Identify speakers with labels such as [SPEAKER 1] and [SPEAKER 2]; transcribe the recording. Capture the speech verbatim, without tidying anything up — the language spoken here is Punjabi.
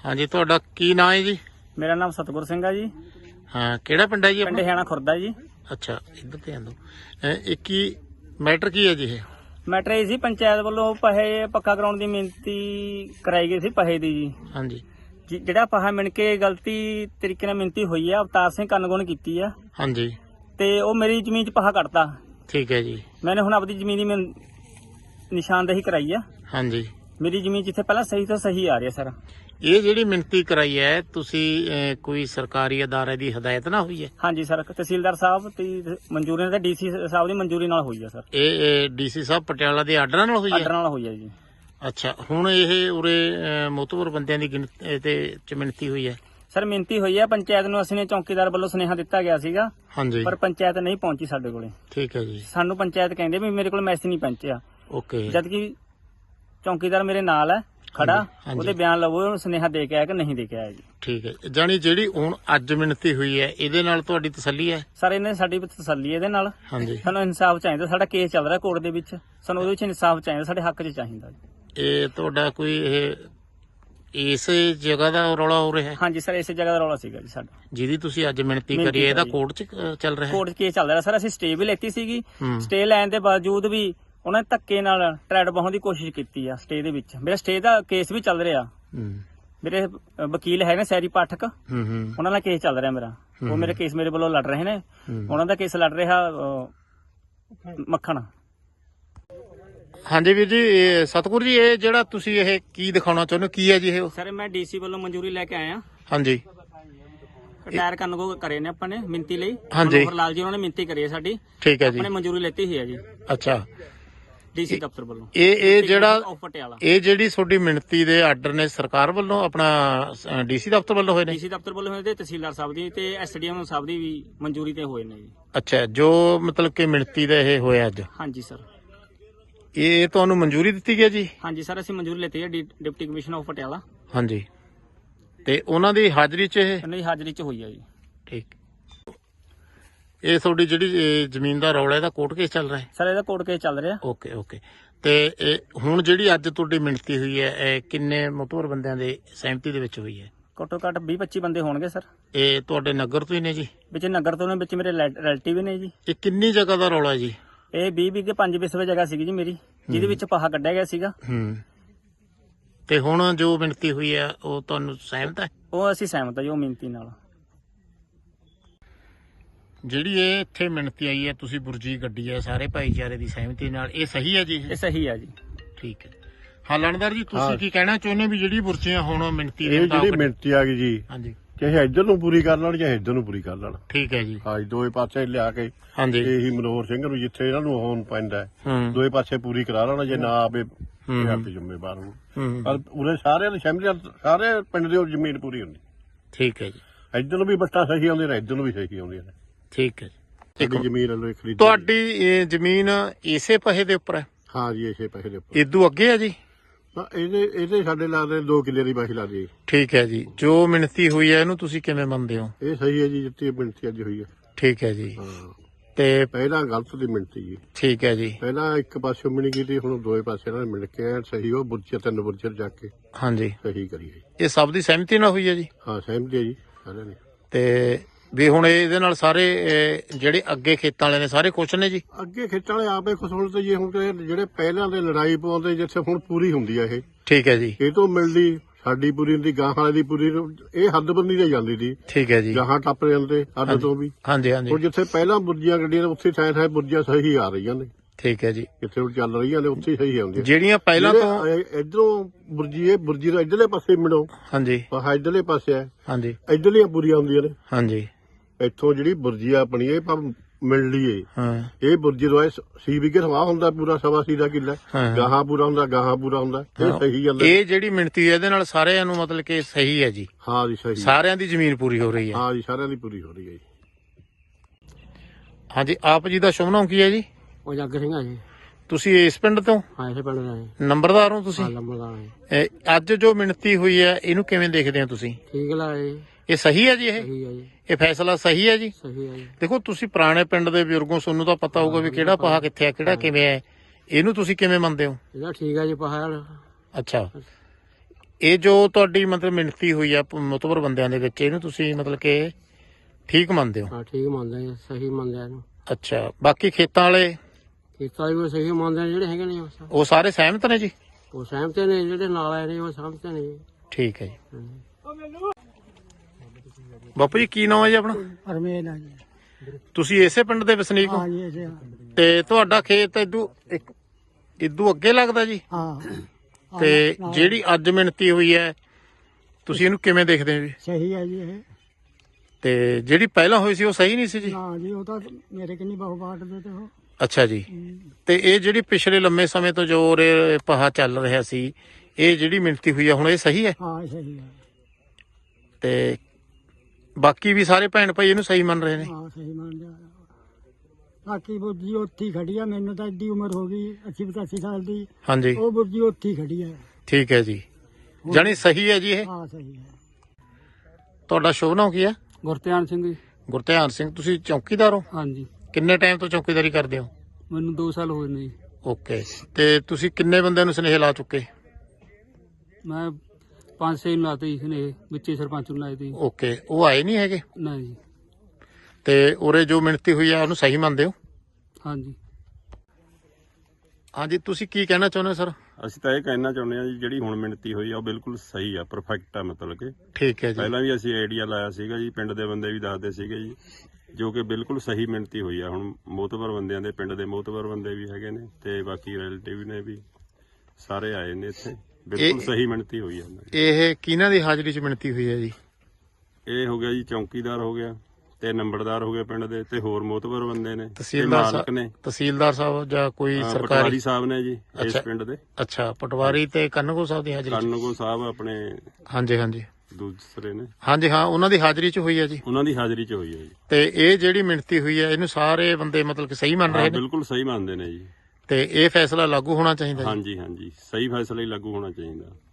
[SPEAKER 1] हाँ जी, तुहाडा की नाम है जी?
[SPEAKER 2] मेरा नाम सतगुर सिंह है जी।
[SPEAKER 1] हाँ, किहड़ा पिंड है जी
[SPEAKER 2] पिंड
[SPEAKER 1] अपना?
[SPEAKER 2] हैणा खुर्दा जी।
[SPEAKER 1] अच्छा, इधर ध्यान दो। एक की मैटर की है जी ये?
[SPEAKER 2] मैटर ਇਹ ਸੀ ਪੰਚਾਇਤ ਵੱਲੋਂ ਪੈਸੇ ਪੱਕਾ ਕਰਾਉਣ ਦੀ ਮਿਹਨਤੀ ਕਰਾਈ ਗਈ ਸੀ ਪੈਸੇ ਦੀ ਜੀ।
[SPEAKER 1] हाँ जी,
[SPEAKER 2] ਜੀ- ਜਿਹੜਾ ਪੈਸਾ ਮਿਣ ਕੇ ਗਲਤੀ ਤਰੀਕੇ ਨਾਲ ਮਿਹਨਤੀ ਹੋਈ ਆ, ਅਵਤਾਰ ਸਿੰਘ ਕੰਨਗੁਣ ਕੀਤੀ ਆ
[SPEAKER 1] हाँ जी,
[SPEAKER 2] ਤੇ ਉਹ ਮੇਰੀ ਜ਼ਮੀਨ 'ਚ ਪੈਸਾ ਕੱਟਦਾ।
[SPEAKER 1] ठीक है जी।
[SPEAKER 2] ਮੈਨੇ ਹੁਣ ਆਪਣੀ ਜ਼ਮੀਨ ਦੀ ਮਿਹਨ- ਨਿਸ਼ਾਨਦੇਹੀ ਕਰਾਈ ਆ।
[SPEAKER 1] हाँ जी,
[SPEAKER 2] ਮੇਰੀ ਜ਼ਮੀਨ ਜਿੱਥੇ ਪਹਿਲਾਂ ਸਹੀ ਤੋਂ ਸਹੀ ਆ ਰਹੀ ਆ ਸਰ।
[SPEAKER 1] ਇਹ ਜਿਹੜੀ ਮਿਣਤੀ ਕਰਾਈ ਹੈ ਤੁਸੀਂ ਅਹ, ਕੋਈ ਸਰਕਾਰੀ ਅਦਾਰੇ ਦੀ ਹਦਾਇਤ ਨਾਲ ਹੋਈ ਹੈ?
[SPEAKER 2] ਹਾਂਜੀ ਸਰ, ਤਹਿਸੀਲਦਾਰ ਸਾਹਿਬ ਦੀ ਮਨਜ਼ੂਰੀ ਨਾਲ ਤੇ ਡੀਸੀ ਸਾਹਿਬ ਦੀ ਮਨਜ਼ੂਰੀ ਨਾਲ ਹੋਈ ਆ ਸਰ।
[SPEAKER 1] ਇਹ ਡੀਸੀ ਸਾਹਿਬ ਪਟਿਆਲਾ ਦੇ ਆਰਡਰਾਂ ਨਾਲ ਹੋਈ
[SPEAKER 2] ਆਰਡਰ
[SPEAKER 1] ਹੈ?
[SPEAKER 2] ਨਾਲ ਹੋਈ ਆ ਜੀ।
[SPEAKER 1] ਅੱਛਾ, ਹੁਣ ਇਹ ਉਰੇ ਮੋਤਬਰ ਬੰਦਿਆਂ ਦੀ ਗਿਣਤੀ ਤੇ ਚ ਮਿਣਤੀ ਹੋਈ ਹੈ?
[SPEAKER 2] ਸਰ ਮਿਹਨਤੀ ਹੋਈ ਆ, ਪੰਚਾਇਤ ਨੂੰ ਅਸੀਂ ਨੇ ਚੌਕੀਦਾਰ ਵੱਲੋਂ ਸੁਨੇਹਾ ਦਿੱਤਾ ਗਿਆ ਸੀਗਾ,
[SPEAKER 1] ਹਾਂਜੀ,
[SPEAKER 2] ਪਰ ਪੰਚਾਇਤ ਨਹੀਂ ਪਹੁੰਚੀ ਸਾਡੇ ਕੋਲੇ।
[SPEAKER 1] ਠੀਕ ਹੈ ਜੀ,
[SPEAKER 2] ਸਾਨੂੰ ਪੰਚਾਇਤ ਕਹਿੰਦੇ ਵੀ ਮੇਰੇ ਕੋਲ ਮੈਸੇਜ ਨਹੀਂ ਪਹੁੰਚਿਆ,
[SPEAKER 1] ਓਕੇ।
[SPEAKER 2] ਜਦ ਕਿ ਚੌਕੀਦਾਰ ਮੇਰੇ ਨਾਲ ਹੈ ਖੜਾ,
[SPEAKER 1] ਹਾਂਜੀ।
[SPEAKER 2] ਉਹਦੇ ਬਿਆਨ ਲਵੋ ਸੁਨੇਹਾ ਦੇ ਕੇ ਆਇਆ ਕਿ ਨਹੀਂ ਦੇ ਕੇ ਆਇਆ ਜੀ।
[SPEAKER 1] ਠੀਕ ਹੈ, ਜਾਨੀ ਜਿਹੜੀ ਹੁਣ ਅੱਜ ਮਿਣਤੀ ਹੋਈ ਹੈ ਇਹਦੇ ਨਾਲ ਤੁਹਾਡੀ ਤਸੱਲੀ ਹੈ?
[SPEAKER 2] ਸਰ ਇਹਨੇ ਸਾਡੀ ਤਸੱਲੀ ਇਹਦੇ ਨਾਲ।
[SPEAKER 1] ਹਾਂਜੀ,
[SPEAKER 2] ਸਾਨੂੰ ਇਨਸਾਫ ਚਾਹੀਦਾ, ਸਾਡਾ ਕੇਸ ਚੱਲ ਰਿਹਾ ਕੋਰਟ ਦੇ ਵਿੱਚ, ਸਾਨੂੰ ਉਹਦੇ ਵਿੱਚ ਇਨਸਾਫ ਚਾਹੀਦਾ, ਸਾਡੇ ਹੱਕ 'ਚ ਚਾਹੀਦਾ ਜੀ।
[SPEAKER 1] ਇਹ ਤੁਹਾਡਾ ਕੋਈ ਇਹ ਇਸ ਜਗ੍ਹਾ ਦਾ ਰੌਲਾ ਹੋ ਰਿਹਾ ਹੈ
[SPEAKER 2] ਹਾਂਜੀ ਸਰ, ਇਸੇ ਜਗ੍ਹਾ ਦਾ ਰੌਲਾ ਸੀਗਾ ਜੀ ਸਾਡਾ,
[SPEAKER 1] ਜਿਹਦੀ ਤੁਸੀਂ ਅੱਜ ਮਿਣਤੀ
[SPEAKER 2] ਮਿਣਤੀ
[SPEAKER 1] ਕਰੀ ਹੈ, ਇਹਦਾ
[SPEAKER 2] ਕਰੀ।
[SPEAKER 1] ਕੋਰਟ 'ਚ ਅ, ਚੱਲ ਰਿਹਾ ਹੈ?
[SPEAKER 2] ਕੋਰਟ 'ਚ ਕੇਸ ਚੱਲ ਰਿਹਾ ਸਰ। ਅਸੀਂ ਸਟੇ ਵੀ ਲੈਤੀ ਸੀਗੀ,
[SPEAKER 1] ਹੂੰ।
[SPEAKER 2] ਸਟੇ ਲੈਣ ਦੇ ਬਾਵਜੂਦ ਵੀ ਉਹਨਾਂ ਨੇ ਧੱਕੇ ਨਾਲ ਟਰੈਡ ਬਹਾਉਣ ਦੀ ਕੋਸ਼ਿਸ਼ ਕੀਤੀ ਆ ਸਟੇ ਦੇ ਵਿੱਚ। ਮੇਰਾ ਸਟੇ ਦਾ ਕੇਸ ਵੀ ਚੱਲ ਰਿਹਾ,
[SPEAKER 1] ਹੂੰ
[SPEAKER 2] ਮੇਰੇ ਅ, ਵਕੀਲ ਹੈ ਨੇ ਸੈਰੀ ਪਾਠਕ,
[SPEAKER 1] ਹੂੰ ਹੂੰ
[SPEAKER 2] ਉਹਨਾਂ ਨਾਲ ਕੇਸ ਚੱਲ ਰਿਹਾ ਮੇਰਾ। ਉਹ ਮੇਰੇ ਕੇਸ ਮੇਰੇ ਵੱਲੋਂ ਲੜ ਰਹੇ ਨੇ,
[SPEAKER 1] ਹੂੰ।
[SPEAKER 2] ਉਹਨਾਂ ਦਾ ਕੇਸ ਲੜ ਰਿਹਾ ਅ, ਮੱਖਣ।
[SPEAKER 1] ਹਾਂਜੀ ਵੀਰ ਜੀ, ਇਹ ਸਤਿਗੁਰ ਜੀ, ਇਹ ਜਿਹੜਾ ਤੁਸੀਂ ਇਹ ਕੀ ਦਿਖਾਉਣਾ ਚਾਹੁੰਦੇ ਹੋ, ਕੀ ਹੈ ਜੀ ਇਹ?
[SPEAKER 2] ਸਰ ਮੈਂ ਡੀਸੀ ਵੱਲੋਂ ਮਨਜ਼ੂਰੀ ਲੈ ਕੇ ਆਇਆ,
[SPEAKER 1] ਹਾਂਜੀ,
[SPEAKER 2] ਰਿਟਾਇਰ ਕਰਨ ਕੋ ਕਰੇ ਨੇ ਆਪਾਂ ਨੇ ਮਿੰਤੀ ਲਈ।
[SPEAKER 1] ਹਾਂਜੀ।
[SPEAKER 2] ਮਨੋਹਰ ਲਾਲ ਜੀ ਉਹਨਾਂ ਨੇ ਮਿੰਤੀ ਕਰੀ ਹੈ ਸਾਡੀ,
[SPEAKER 1] ਠੀਕ ਹੈ ਜੀ,
[SPEAKER 2] ਆਪਣੇ ਮਨਜ਼ੂਰੀ ਲੈਤੀ ਹੋਈ ਹੈ ਜੀ
[SPEAKER 1] ਅੱਛਾ।
[SPEAKER 2] ਡੀਸੀ ਦਫ਼ਤਰ ਵੱਲੋਂ।
[SPEAKER 1] ਇਹ ਇਹ ਜਿਹੜਾ
[SPEAKER 2] ਆਫ ਪਟਿਆਲਾ
[SPEAKER 1] ਇਹ ਜਿਹੜੀ ਤੁਹਾਡੀ ਮਿਣਤੀ ਦੇ ਆਰਡਰ ਨੇ ਸਰਕਾਰ ਵੱਲੋਂ ਆਪਣਾ ਡੀਸੀ ਦਫ਼ਤਰ ਵੱਲੋਂ ਹੋਏ ਨੇ?
[SPEAKER 2] ਡੀਸੀ ਦਫ਼ਤਰ ਵੱਲੋਂ ਹੋਏ ਤੇ ਤਹਿਸੀਲਦਾਰ ਸਾਹਿਬ ਦੀ ਤੇ ਐਸਡੀਐਮ ਸਾਹਿਬ ਦੀ ਵੀ ਮਨਜ਼ੂਰੀ ਤੇ ਹੋਏ ਨੇ ਜੀ।
[SPEAKER 1] ਅੱਛਾ, ਜੋ ਮਤਲਬ ਕਿ ਮਿਣਤੀ ਦਾ ਇਹ ਹੋਇਆ ਅੱਜ,
[SPEAKER 2] ਹਾਂਜੀ ਸਰ।
[SPEAKER 1] ਇਹ ਤੁਹਾਨੂੰ ਮਨਜ਼ੂਰੀ ਦਿੱਤੀ ਗਈ ਜੀ?
[SPEAKER 2] ਹਾਂਜੀ ਸਰ, ਅਸੀਂ ਮਨਜ਼ੂਰੀ ਲੈਤੀ ਹੈ ਡੀ- ਡਿਪਟੀ ਕਮਿਸ਼ਨਰ ਆਫ ਪਟਿਆਲਾ,
[SPEAKER 1] ਹਾਂਜੀ, ਤੇ ਉਹਨਾਂ ਦੀ ਹਾਜ਼ਰੀ 'ਚ ਇਹ?
[SPEAKER 2] ਉਹਨਾਂ ਦੀ ਹਾਜ਼ਰੀ 'ਚ ਹੋਈ ਹੈ ਜੀ।
[SPEAKER 1] ਠੀਕ। ਇਹ ਤੁਹਾਡੀ ਜਿਹੜੀ ਇਹ ਜ਼ਮੀਨ ਦਾ ਰੌਲਾ, ਇਹਦਾ ਕੋਰਟ ਕੇਸ ਚੱਲ ਰਿਹਾ ਹੈ?
[SPEAKER 2] ਸਰ ਇਹਦਾ ਕੋਰਟ ਕੇਸ ਚੱਲ ਰਿਹਾ।
[SPEAKER 1] Okay okay. ਤੇ ਇਹ ਹੁਣ ਜਿਹੜੀ ਅੱਜ ਤੁਹਾਡੀ ਮਿਣਤੀ ਹੋਈ ਹੈ, ਇਹ ਕਿੰਨੇ ਮੁਤਬਰ ਬੰਦਿਆਂ ਦੇ ਸਹਿਮਤੀ ਦੇ ਵਿੱਚ ਹੋਈ ਹੈ?
[SPEAKER 2] ਘੱਟੋ ਘੱਟ ਵੀਹ ਪੱਚੀ ਬੰਦੇ ਹੋਣਗੇ ਸਰ।
[SPEAKER 1] ਇਹ ਤੁਹਾਡੇ ਨਗਰ ਤੋਂ ਹੀ ਨੇ ਜੀ?
[SPEAKER 2] ਵਿੱਚ ਨਗਰ ਤੋਂ ਨੇ, ਵਿੱਚ ਮੇਰੇ ਰਿਲੇਟਿਵ ਨੇ ਜੀ।
[SPEAKER 1] ਇਹ ਕਿੰਨੀ ਜਗ੍ਹਾ ਦਾ ਰੌਲਾ ਹੈ ਜੀ?
[SPEAKER 2] ਇਹ ਵੀਹ ਵੀਹ ਕੇ ਪੰਜ ਵਿਸਵੇ ਜਗ੍ਹਾ ਸੀਗੀ ਜੀ ਮੇਰੀ, ਜਿਹਦੇ ਵਿੱਚ ਪਾਹਾ ਕੱਢਿਆ ਗਿਆ ਸੀਗਾ।
[SPEAKER 1] ਹੂੰ। ਤੇ ਹੁਣ ਜੋ ਮਿਣਤੀ ਹੋਈ ਹੈ ਉਹ ਤੁਹਾਨੂੰ ਸਹਿਮਤ ਹੈ?
[SPEAKER 2] ਉਹ ਅਸੀਂ ਸਹਿਮਤ ਹਾਂ ਜੀ ਉਹ ਮਿਹਨਤੀ ਨਾਲ।
[SPEAKER 1] ਜਿਹੜੀ ਇਹ ਇੱਥੇ ਮਿਣਤੀ ਆਈ ਹੈ, ਤੁਸੀਂ ਬੁਰਜੀ ਗੱਡੀ ਹੈ ਸਾਰੇ ਭਾਈਚਾਰੇ ਦੀ ਸਹਿਮਤੀ ਨਾਲ, ਇਹ ਸਹੀ ਹੈ ਜੀ?
[SPEAKER 2] ਇਹ ਸਹੀ ਹੈ ਜੀ।
[SPEAKER 1] ਠੀਕ ਹੈ। ਹਾਂ ਲਣਦਾਰ ਜੀ, ਤੁਸੀਂ ਕੀ ਕਹਿਣਾ ਚਾਹੁੰਦੇ ਵੀ ਜਿਹੜੀ ਬੁਰਜੀਆਂ ਹੁਣ ਮਿਣਤੀ ਦੇ
[SPEAKER 3] ਇਹ ਜਿਹੜੀ
[SPEAKER 1] ਮੁਤਾਬਕ?
[SPEAKER 3] ਮਿਹਨਤੀ ਆ ਗਈ ਜੀ,
[SPEAKER 1] ਹਾਂਜੀ,
[SPEAKER 3] ਚਾਹੇ ਇੱਧਰ ਨੂੰ ਪੂਰੀ ਕਰ ਲੈਣ ਚਾਹੇ ਇੱਧਰ ਨੂੰ ਪੂਰੀ ਕਰ ਲੈਣ।
[SPEAKER 1] ਠੀਕ ਹੈ ਜੀ,
[SPEAKER 3] ਹਾਂ ਜੀ, ਦੋਵੇਂ ਪਾਸੇ ਲਿਆ ਕੇ
[SPEAKER 1] ਹਾਂਜੀ,
[SPEAKER 3] ਇਹੀ ਮਨੋਹਰ ਸਿੰਘ ਨੂੰ ਜਿੱਥੇ ਇਹਨਾਂ ਨੂੰ ਹੋਣ ਪੈਂਦਾ ਹੈ,
[SPEAKER 1] ਹੂੰ
[SPEAKER 3] ਦੋਵੇਂ ਪਾਸੇ ਪੂਰੀ ਕਰਾ ਲੈਣਾ। ਜੇ ਨਾ ਆਵੇ
[SPEAKER 1] ਹੂੰ,
[SPEAKER 3] ਇਹ ਆਪੇ ਜ਼ਿੰਮੇਵਾਰ ਹੋਣ।
[SPEAKER 1] ਹੂੰ,
[SPEAKER 3] ਪਰ ਉਰੇ ਸਾਰਿਆਂ ਦੀ ਸਹਿਮਤੀ ਨਾਲ ਸਾਰੇ ਪਿੰਡ ਦੀ ਉਹ ਜ਼ਮੀਨ ਪੂਰੀ ਹੁੰਦੀ।
[SPEAKER 1] ਠੀਕ ਹੈ ਜੀ,
[SPEAKER 3] ਇੱਧਰ ਨੂੰ ਵੀ ਬੱਟਾਂ ਸਹੀ ਆਉਂਦੀਆਂ ਨੇ, ਇੱਧਰ ਨੂੰ ਵੀ ਸਹੀ ਆਉਂਦੀਆਂ ਨੇ।
[SPEAKER 1] ਠੀਕ ਹੈ ਜੀ।
[SPEAKER 3] ਸਾਡੀ ਜ਼ਮੀਨ ਵੱਲੋਂ ਇਹ ਖਰੀਦੀ।
[SPEAKER 1] ਤੁਹਾਡੀ ਇਹ ਜ਼ਮੀਨ ਇਸੇ ਪਹੇ ਦੇ ਉੱਪਰ ਹੈ?
[SPEAKER 3] ਹਾਂ ਜੀ, ਇਸੇ ਪੈਸੇ ਦੇ ਉੱਪਰ।
[SPEAKER 1] ਇਦੋਂ ਅੱਗੇ ਹੈ ਜੀ?
[SPEAKER 3] ਤਾਂ ਇਹਦੇ ਇਹਦੇ ਸਾਡੇ ਲੱਗਦੇ ਦੋ ਕਿੱਲੇ ਦੀ ਬਾਹੀ ਲੱਗਦੀ ਹੈ।
[SPEAKER 1] ਠੀਕ ਹੈ ਜੀ। ਜੋ ਮਿਣਤੀ ਹੋਈ ਹੈ ਇਹਨੂੰ ਤੁਸੀਂ ਕਿਵੇਂ ਮੰਨਦੇ ਹੋ?
[SPEAKER 3] ਇਹ ਸਹੀ ਹੈ ਜੀ, ਜਿੱਤੀ ਮਿਹਨਤੀ ਅੱਜ ਹੋਈ ਹੈ।
[SPEAKER 1] ਠੀਕ ਹੈ ਜੀ।
[SPEAKER 3] ਹਾਂ,
[SPEAKER 1] ਤੇ
[SPEAKER 3] ਪਹਿਲਾਂ ਗਲਤ ਦੀ ਮਿਹਨਤੀ ਜੀ।
[SPEAKER 1] ਠੀਕ ਹੈ ਜੀ,
[SPEAKER 3] ਪਹਿਲਾਂ ਇੱਕ ਪਾਸੇ ਮਿਲ ਗਈ ਤੇ ਹੁਣ ਦੋਵੇਂ ਪਾਸੇ ਇਹਨਾਂ ਨੇ ਮਿਲ ਕੇ ਐਨ ਸਹੀ ਉਹ ਬੁਰਜੇ ਤਿੰਨ ਬੁਰਜੇ ਜਾ ਕੇ
[SPEAKER 1] ਹਾਂਜੀ,
[SPEAKER 3] ਸਹੀ ਕਰੀਏ।
[SPEAKER 1] ਇਹ ਸਭ ਦੀ ਸਹਿਮਤੀ ਨਾਲ ਹੋਈ ਹੈ ਜੀ?
[SPEAKER 3] ਹਾਂ, ਸਹਿਮਤੀ ਹੈ ਜੀ ਸਾਰਿਆਂ ਨੇ।
[SPEAKER 1] ਤੇ ਵੀ ਹੁਣ ਇਹਦੇ ਨਾਲ ਸਾਰੇ ਇਹ ਜਿਹੜੇ ਅੱਗੇ ਖੇਤਾਂ ਵਾਲੇ ਨੇ ਸਾਰੇ ਖੁਸ਼ ਨੇ ਜੀ?
[SPEAKER 3] ਅੱਗੇ ਖੇਤਾਂ ਵਾਲੇ ਆਪੇ ਖੁਸ਼ਹੁਣ ਤੇ ਜੀ ਹੁਣ ਤੇ ਜਿਹੜੇ ਪਹਿਲਾਂ ਦੇ ਲੜਾਈ ਪਾਉਂਦੇ ਜਿੱਥੇ ਹੁਣ ਪੂਰੀ ਹੁੰਦੀ ਆ ਇਹ
[SPEAKER 1] ਠੀਕ ਹੈ ਜੀ,
[SPEAKER 3] ਇਹ ਤੋਂ ਮਿਲਦੀ ਸਾਡੀ ਪੂਰੀ ਹੁੰਦੀ, ਗਾਂ ਵਾਲੇ ਦੀ ਪੂਰੀ, ਇਹ ਹੱਦਬੰਦੀ ਤੇ ਜਾਂਦੀ ਸੀ।
[SPEAKER 1] ਠੀਕ ਹੈ ਜੀ,
[SPEAKER 3] ਗਾਹਾਂ ਟੱਪ ਜਾਂਦੇ ਹੱਦ ਤੋਂ ਵੀ।
[SPEAKER 1] ਹਾਂਜੀ ਹਾਂਜੀ,
[SPEAKER 3] ਹੁਣ ਜਿੱਥੇ ਪਹਿਲਾਂ ਬੁਰਜੀਆਂ ਗੱਡੀਆਂ ਨੇ ਉੱਥੇ ਥਾਂ ਥਾਂ ਬੁਰਜੀਆਂ ਸਹੀ ਆ ਰਹੀਆਂ ਨੇ,
[SPEAKER 1] ਠੀਕ ਹੈ ਜੀ।
[SPEAKER 3] ਜਿੱਥੇ ਹੁਣ ਚੱਲ ਰਹੀਆਂ ਨੇ ਉੱਥੇ ਸਹੀ ਆਉਂਦੀਆਂ।
[SPEAKER 1] ਜਿਹੜੀਆਂ ਪਹਿਲਾਂ ਤੋਂ
[SPEAKER 3] ਇਧਰੋਂ ਬੁਰਜੀ ਇਹ ਬੁਰਜੀ ਦਾ ਇਧਰਲੇ ਪਾਸੇ ਮਿਲੋ,
[SPEAKER 1] ਹਾਂਜੀ
[SPEAKER 3] ਆਹ ਇਧਰਲੇ ਪਾਸੇ ਹੈ,
[SPEAKER 1] ਹਾਂਜੀ
[SPEAKER 3] ਇਧਰਲੀਆਂ ਪੂਰੀਆਂ ਆਉਂਦੀਆਂ ਨੇ।
[SPEAKER 1] ਹਾਂਜੀ,
[SPEAKER 3] ਇੱਥੋਂ ਜਿਹੜੀ ਬੁਰਜੀ ਆ ਆਪਣੀ ਇਹ ਭਾਵੇਂ ਮਿਲ ਲਈਏ,
[SPEAKER 1] ਹਾਂ
[SPEAKER 3] ਇਹ ਬੁਰਜੀ ਰੋਏ ਸੀ ਵਿਗੇ ਸਵਾ ਹੁੰਦਾ, ਪੂਰਾ ਸਵਾ ਸੀ ਦਾ ਕਿੱਲਾ,
[SPEAKER 1] ਹਾਂ।
[SPEAKER 3] ਗਾਹਾਂ ਪੂਰਾ ਹੁੰਦਾ, ਗਾਹਾਂ ਪੂਰਾ ਹੁੰਦਾ, ਇਹ ਸਹੀ ਜਾਂਦਾ।
[SPEAKER 1] ਇਹ ਜਿਹੜੀ ਮਿਣਤੀ ਹੈ ਇਹਦੇ ਨਾਲ ਸਾਰਿਆਂ ਨੂੰ ਮਤਲਬ ਕਿ ਸਹੀ ਹੈ ਜੀ?
[SPEAKER 3] ਹਾਂ ਜੀ, ਸਹੀ।
[SPEAKER 1] ਸਾਰਿਆਂ ਦੀ ਜ਼ਮੀਨ ਪੂਰੀ ਹੋ ਰਹੀ ਹੈ?
[SPEAKER 3] ਹਾਂ ਜੀ, ਸਾਰਿਆਂ ਦੀ ਪੂਰੀ ਹੋ ਰਹੀ ਹੈ ਜੀ।
[SPEAKER 1] ਹਾਂਜੀ, ਆਪ ਜੀ ਦਾ ਸ਼ੁਭ ਨਾਮ ਕੀ ਹੈ ਜੀ?
[SPEAKER 2] ਉਹ ਜੱਗ ਸਿੰਘ ਆ ਜੀ।
[SPEAKER 1] ਤੁਸੀਂ ਇਸ ਪਿੰਡ ਤੋਂ?
[SPEAKER 2] ਹਾਂ, ਇਸੇ ਪਿੰਡ ਦਾ ਜੀ।
[SPEAKER 1] ਨੰਬਰਦਾਰ ਹੋ ਤੁਸੀਂ?
[SPEAKER 2] ਲੰਬਰਦਾਰ ਜੀ।
[SPEAKER 1] ਇਹ ਅੱਜ ਜੋ ਮਿਣਤੀ ਹੋਈ ਹੈ ਇਹਨੂੰ ਕਿਵੇਂ ਦੇਖਦੇ ਹੋ ਤੁਸੀਂ?
[SPEAKER 2] ਠੀਕ ਲੱਗਾ ਜੀ।
[SPEAKER 1] ਇਹ ਸਹੀ ਹੈ ਜੀ? ਇਹ
[SPEAKER 2] ਸਹੀ ਹੈ ਜੀ।
[SPEAKER 1] ਇਹ ਫੈਸਲਾ ਸਹੀ ਹੈ ਜੀ?
[SPEAKER 2] ਸਹੀ ਹੈ ਜੀ।
[SPEAKER 1] ਦੇਖੋ, ਤੁਸੀਂ ਪੁਰਾਣੇ ਪਿੰਡ ਦੇ ਬਜ਼ੁਰਗੋਂ, ਤੁਹਾਨੂੰ ਤਾਂ ਪਤਾ ਹੋਊਗਾ ਵੀ ਕਿਹੜਾ ਪਹਾ ਕਿੱਥੇ ਹੈ, ਕਿਹੜਾ ਕਿਵੇਂ ਹੈ। ਇਹਨੂੰ ਤੁਸੀਂ ਕਿਵੇਂ ਮੰਨਦੇ ਹੋ?
[SPEAKER 2] ਇਹਦਾ ਠੀਕ ਹੈ ਜੀ ਪਹਾੜ।
[SPEAKER 1] ਅੱਛਾ, ਇਹ ਜੋ ਤੁਹਾਡੀ ਮਤਲਬ ਮਿਣਤੀ ਹੋਈ ਆ ਮੁਤਬਰ ਬੰਦਿਆਂ ਦੇ ਵਿੱਚ, ਇਹਨੂੰ ਤੁਸੀਂ ਮਤਲਬ ਕਿ ਠੀਕ ਮੰਨਦੇ ਹੋ?
[SPEAKER 4] ਹਾਂ ਠੀਕ ਮੰਨਦੇ ਆ, ਸਹੀ ਮੰਨਦੇ ਆ ਇਹਨੂੰ।
[SPEAKER 1] ਅੱਛਾ, ਬਾਕੀ ਖੇਤਾਂ ਵਾਲੇ
[SPEAKER 4] ਕੀਤਾ ਵੀ ਸਹੀ ਮੰਨਦੇ ਆ ਜਿਹੜੇ ਹੈਗੇ ਨੇ ਉਹ ਸਭ।
[SPEAKER 1] ਉਹ ਸਾਰੇ ਸਹਿਮਤ ਨੇ ਜੀ?
[SPEAKER 4] ਉਹ ਸਹਿਮਤ ਨੇ, ਜਿਹੜੇ ਨਾਲ ਆਏ ਨੇ ਉਹ ਸਹਿਮਤ ਨੇ ਜੀ।
[SPEAKER 1] ਠੀਕ ਹੈ ਜੀ।
[SPEAKER 4] ਹਾਂ।
[SPEAKER 1] ਬਾਪੂ ਜੀ ਕੀ ਨਾਮ ਹੈ ਜੀ ਆਪਣਾ?
[SPEAKER 4] ਪਰਮੇਨ ਆ ਜੀ।
[SPEAKER 1] ਤੁਸੀਂ ਇਸੇ ਪਿੰਡ ਦੇ ਵਸਨੀਕ ਹੋ?
[SPEAKER 4] ਹਾਂ ਜੀ ਇਸੇ।
[SPEAKER 1] ਤੇ ਤੁਹਾਡਾ ਖੇਤ ਇਦੂ ਇੱਕ ਇਦੂ ਅੱਗੇ ਲੱਗਦਾ ਜੀ?
[SPEAKER 4] ਹਾਂ।
[SPEAKER 1] ਤੇ ਜਿਹੜੀ ਅੱਜ ਮਿਣਤੀ ਹੋਈ ਹੈ ਤੁਸੀਂ ਇਹਨੂੰ ਕਿਵੇਂ ਦੇਖਦੇ ਹੋ ਜੀ?
[SPEAKER 4] ਸਹੀ ਹੈ ਜੀ ਇਹ।
[SPEAKER 1] ਤੇ ਜਿਹੜੀ ਪਹਿਲਾਂ ਹੋਈ ਸੀ ਉਹ ਸਹੀ ਨਹੀਂ ਸੀ ਜੀ?
[SPEAKER 4] ਹਾਂ ਜੀ, ਉਹ ਤਾਂ ਮੇਰੇ ਕਿੰਨੀ ਬਹੁ ਬਾਟ ਦੇ ਤੇ ਉਹ।
[SPEAKER 1] ਅੱਛਾ ਜੀ। ਤੇ ਇਹ ਜਿਹੜੀ ਪਿਛਲੇ ਲੰਮੇ ਸਮੇਂ ਤੋਂ ਜੋ ਉਰੇ ਪਹਾ ਚੱਲ ਰਿਹਾ ਸੀ, ਇਹ ਜਿਹੜੀ ਮਿਣਤੀ ਹੋਈ ਹੈ ਹੁਣ ਇਹ ਸਹੀ ਹੈ?
[SPEAKER 4] ਹਾਂ ਸਹੀ ਹੈ।
[SPEAKER 1] ਤੇ ਬਾਕੀ ਵੀ ਸਾਰੇ ਭੈਣ ਭਾਈ ਇਹਨੂੰ ਸਹੀ ਮੰਨ ਰਹੇ ਨੇ?
[SPEAKER 4] ਹਾਂ ਸਹੀ ਮੰਨਦੇ ਆ। ਬਾਕੀ ਬੁਰਜੀ ਉੱਥੇ ਹੀ ਖੜੀ ਆ, ਮੈਨੂੰ ਤਾਂ ਐਡੀ ਉਮਰ ਹੋ ਗਈ ਅੱਸੀ ਪਚਾਸੀ ਸਾਲ ਦੀ।
[SPEAKER 1] ਹਾਂਜੀ,
[SPEAKER 4] ਉਹ ਬੁਰਜੀ ਉੱਥੇ ਹੀ ਖੜੀ ਆ।
[SPEAKER 1] ਠੀਕ ਹੈ ਜੀ। ਜਾਣੀ ਸਹੀ ਹੈ ਜੀ ਇਹ?
[SPEAKER 4] ਹਾਂ ਸਹੀ ਹੈ।
[SPEAKER 1] ਤੁਹਾਡਾ ਸ਼ੁਭ ਨਾਮ ਕੀ ਹੈ?
[SPEAKER 2] ਗੁਰਧਿਆਨ ਸਿੰਘ ਜੀ।
[SPEAKER 1] ਗੁਰਧਿਆਨ ਸਿੰਘ। ਤੁਸੀਂ ਚੌਕੀਦਾਰ ਹੋ?
[SPEAKER 2] ਹਾਂਜੀ,
[SPEAKER 1] ਕਿੰਨੇ ਟਾਈਮ ਤੋਂ ਚੌਕੀਦਾਰੀ ਕਰਦੇ ਹੋ?
[SPEAKER 2] ਮੈਨੂੰ ਦੋ ਸਾਲ ਹੋਏ ਨੇ ਜੀ।
[SPEAKER 1] ਓਕੇ। ਤੇ ਤੁਸੀਂ ਕਿੰਨੇ ਬੰਦਿਆਂ ਨੂੰ ਸੁਨੇਹੇ ਲਾ ਚੁੱਕੇ?
[SPEAKER 2] ਮੈਂ ਪੰਜ ਛੇ ਨੂੰ ਲਾਤੇ ਜੀ ਨੇ, ਵਿੱਚੇ ਸਰਪੰਚ ਨੂੰ ਲਾਏ ਤੀ।
[SPEAKER 1] ਓਕੇ, ਉਹ ਆਏ ਨਹੀਂ ਹੈਗੇ?
[SPEAKER 2] ਨਾ ਜੀ।
[SPEAKER 1] ਤੇ ਉਰੇ ਜੋ ਮਿਣਤੀ ਹੋਈ ਆ ਉਹਨੂੰ ਸਹੀ ਮੰਨਦੇ ਹੋ?
[SPEAKER 2] ਹਾਂਜੀ।
[SPEAKER 1] ਹਾਂਜੀ, ਤੁਸੀਂ ਕੀ ਕਹਿਣਾ ਚਾਹੁੰਦੇ ਹੋ ਸਰ?
[SPEAKER 5] ਅਸੀਂ ਤਾਂ ਇਹ ਕਹਿਣਾ ਚਾਹੁੰਦੇ ਹਾਂ ਜੀ, ਜਿਹੜੀ ਹੁਣ ਮਿਣਤੀ ਹੋਈ ਆ ਉਹ ਬਿਲਕੁਲ ਸਹੀ ਆ, ਪਰਫੈਕਟ ਆ। ਮਤਲਬ ਕਿ
[SPEAKER 1] ਠੀਕ ਹੈ ਜੀ।
[SPEAKER 5] ਪਹਿਲਾਂ ਵੀ ਅਸੀਂ ਆਈਡੀਆ ਲਾਇਆ ਸੀਗਾ ਜੀ, ਪਿੰਡ ਦੇ ਬੰਦੇ ਵੀ ਦੱਸਦੇ ਸੀਗੇ ਜੀ, ਜੋ ਕਿ ਬਿਲਕੁਲ ਸਹੀ ਮਿਣਤੀ ਹੋਈ ਆ। ਹੁਣ ਮੋਤਬਰ ਬੰਦਿਆਂ ਦੇ, ਪਿੰਡ ਦੇ ਮੋਤਬਰ ਬੰਦੇ ਵੀ ਹੈਗੇ ਨੇ ਤੇ ਬਾਕੀ ਰਿਲੇਟਿਵ ਨੇ ਵੀ ਸਾਰੇ ਆਏ ਨੇ ਇੱਥੇ। ਬਿਲਕੁਲ
[SPEAKER 1] ਇਹ-
[SPEAKER 5] ਸਹੀ ਮਿਣਤੀ ਹੋਈ ਆ।
[SPEAKER 1] ਇਹ ਕਿਹਨਾਂ ਦੀ ਹਾਜ਼ਰੀ 'ਚ ਮਿਣਤੀ ਹੋਈ ਹੈ ਜੀ?
[SPEAKER 5] ਇਹ ਹੋ ਗਿਆ ਜੀ ਚੌਕੀਦਾਰ ਹੋ ਗਿਆ ਤੇ ਨੰਬਰਦਾਰ ਹੋ ਗਿਆ ਪਿੰਡ ਦੇ, ਤੇ ਹੋਰ ਮੋਤਬਰ ਬੰਦੇ ਨੇ ਤੇ
[SPEAKER 1] ਤਹਿਸੀਲਦਾਰ
[SPEAKER 5] ਮਾਲਕ
[SPEAKER 1] ਸਾਹਿਬ
[SPEAKER 5] ਨੇ।
[SPEAKER 1] ਤਹਿਸੀਲਦਾਰ ਸਾਹਿਬ ਜਾਂ ਕੋਈ
[SPEAKER 5] ਅਹ
[SPEAKER 1] ਸਰਕਾਰੀ?
[SPEAKER 5] ਪਟਵਾਰੀ ਸਾਹਿਬ ਨੇ ਜੀ ਇਸ
[SPEAKER 1] ਅੱਛਾ।
[SPEAKER 5] ਪਿੰਡ ਦੇ।
[SPEAKER 1] ਅੱਛਾ, ਪਟਵਾਰੀ ਤੇ ਕੰਨਗੋ ਸਾਹਿਬ ਦੀ ਹਾਜ਼ਰੀ 'ਚ?
[SPEAKER 5] ਕਾਨੂੰਗੋ ਸਾਹਿਬ ਆਪਣੇ
[SPEAKER 1] ਹਾਂਜੀ ਹਾਂਜੀ
[SPEAKER 5] ਦੂਸਰੇ ਨੇ,
[SPEAKER 1] ਹਾਂਜੀ ਹਾਂ, ਉਹਨਾਂ ਦੀ ਹਾਜ਼ਰੀ 'ਚ ਹੋਈ ਹੈ ਜੀ।
[SPEAKER 5] ਉਹਨਾਂ ਦੀ ਹਾਜ਼ਰੀ 'ਚ ਹੋਈ ਹੈ ਜੀ।
[SPEAKER 1] ਤੇ ਇਹ ਜਿਹੜੀ ਮਿਣਤੀ ਹੋਈ ਹੈ ਇਹਨੂੰ ਸਾਰੇ ਬੰਦੇ ਮਤਲਬ ਕਿ ਸਹੀ ਮੰਨ ਰਹੇ
[SPEAKER 5] ਹਾਂ
[SPEAKER 1] ਨੇ?
[SPEAKER 5] ਬਿਲਕੁਲ ਸਹੀ ਮੰਨਦੇ ਨੇ ਜੀ।
[SPEAKER 1] ਤੇ ਇਹ ਫੈਸਲਾ ਲਾਗੂ ਹੋਣਾ ਚਾਹੀਦਾ ਜੀ?
[SPEAKER 5] ਹਾਂਜੀ ਹਾਂਜੀ, ਸਹੀ ਫੈਸਲਾ ਹੀ ਲਾਗੂ ਹੋਣਾ ਚਾਹੀਦਾ।